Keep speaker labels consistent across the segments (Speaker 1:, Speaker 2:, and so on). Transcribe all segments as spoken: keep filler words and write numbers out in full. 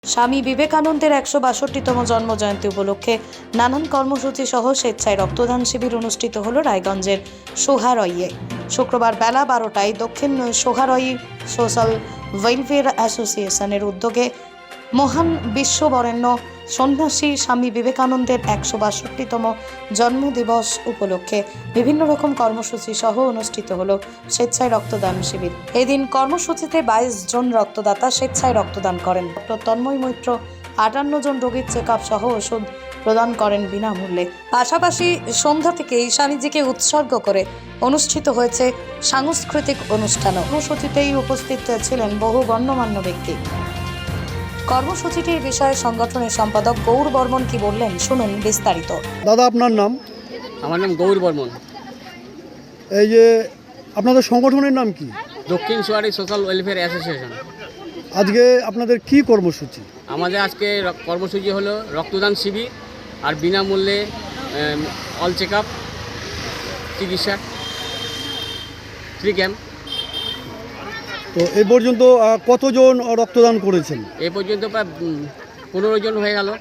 Speaker 1: স্বামী বিবেকানন্দের একশো বাষট্টিতম জন্মজয়ন্তী উপলক্ষে নানান কর্মসূচি সহ স্বেচ্ছায় রক্তদান শিবির অনুষ্ঠিত হল রায়গঞ্জের সোহারইয়ে। শুক্রবার বেলা বারোটায় দক্ষিণ সোহারই সোশ্যাল ওয়েলফেয়ার অ্যাসোসিয়েশনের উদ্যোগে মহান বিশ্ববরেণ্য সন্ন্যাসী স্বামী বিবেকানন্দের একশো বাষট্টিতম জন্মদিবস উপলক্ষে বিভিন্ন রকম কর্মসূচি সহ অনুষ্ঠিত হল স্বেচ্ছায় রক্তদান শিবির। এদিন কর্মসূচিতে বাইশ জন রক্তদাতা স্বেচ্ছায় রক্তদান করেন। ডক্টর তন্ময় মৈত্র আটান্ন জন রোগীর চেক আপ সহ ওষুধ প্রদান করেন বিনামূল্যে। পাশাপাশি সন্ধ্যা থেকেই স্বামীজিকে উৎসর্গ করে অনুষ্ঠিত হয়েছে সাংস্কৃতিক অনুষ্ঠান। কর্মসূচিতেই উপস্থিত ছিলেন বহু গণ্যমান্য ব্যক্তি। কর্মসূচিটির বিষয়ে সংগঠনের সম্পাদক গৌর বর্মন কি বললেন শুনুন বিস্তারিত।
Speaker 2: দাদা, আপনার নাম?
Speaker 3: আমার নাম গৌর বর্মন।
Speaker 2: এই যে আপনাদের সংগঠনের নাম কি?
Speaker 3: দক্ষিণ সোহারি সোশ্যাল ওয়েলফেয়ার অ্যাসোসিয়েশন।
Speaker 2: আজকে আপনাদের কি কর্মসূচি?
Speaker 3: আমাদের আজকে কর্মসূচি হলো রক্তদান শিবির আর বিনামূল্যে অল চেক আপ চিকিৎসা ফ্রি ক্যাম্প।
Speaker 2: তো এই পর্যন্ত কতজন রক্তদান করেছেন?
Speaker 3: এ পর্যন্ত প্রায় পনেরো জন হয়ে গেল।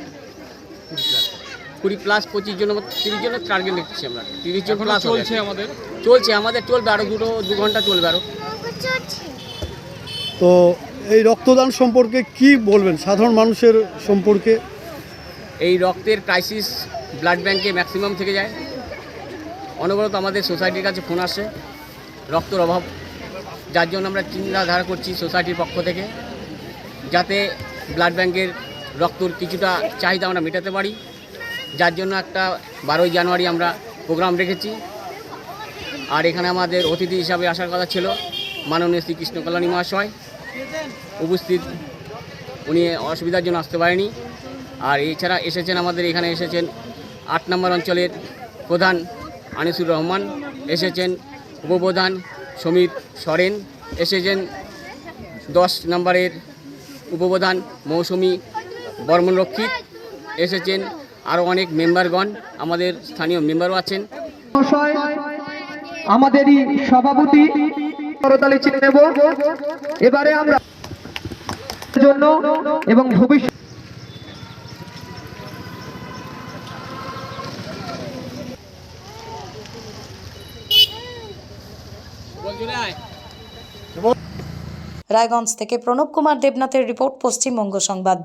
Speaker 3: কুড়ি প্লাস পঁচিশ জন তিরিশ জনের টার্গেট লিখছি আমরা। তিরিশ জন প্লাস চলছে আমাদের চলছে আমাদের চলবে আরও দুটো দু ঘন্টা চলবে আরও।
Speaker 2: তো এই রক্তদান সম্পর্কে কি বলবেন সাধারণ মানুষের সম্পর্কে?
Speaker 3: এই রক্তের ক্রাইসিস ব্লাড ব্যাংকে ম্যাক্সিমাম থেকে যায়। অনবরত আমাদের সোসাইটির কাছে ফোন আসে রক্তের অভাব, যার জন্য আমরা চিন্তাধারা করছি সোসাইটির পক্ষ থেকে যাতে ব্লাড ব্যাংকের রক্তর কিছুটা চাহিদা আমরা মেটাতে পারি। যার জন্য একটা বারোই জানুয়ারি আমরা প্রোগ্রাম রেখেছি। আর এখানে আমাদের অতিথি হিসাবে আসার কথা ছিল মাননীয় শ্রীকৃষ্ণ কল্যাণী মহাশয়, উপস্থিত উনি অসুবিধার জন্য আসতে পারেনি। আর এছাড়া এসেছেন আমাদের এখানে এসেছেন আট নম্বর অঞ্চলের প্রধান আনিসুর রহমান, এসেছেন উপপ্রধান সমীর সরেন, এসেছেন দশ নম্বরের উপপ্রধান মৌসুমী বর্মন রক্ষিত, এসেছেন আরও অনেক মেম্বারগণ, আমাদের স্থানীয় মেম্বারও আছেন।
Speaker 4: আমাদেরই সভাপতি করতালি চিনে নেব এবারে আমরা জন্য এবং ভবিষ্যৎ
Speaker 1: রায়গঞ্জ থেকে প্রণব কুমার দেবনাথের রিপোর্ট, পশ্চিমবঙ্গ সংবাদ।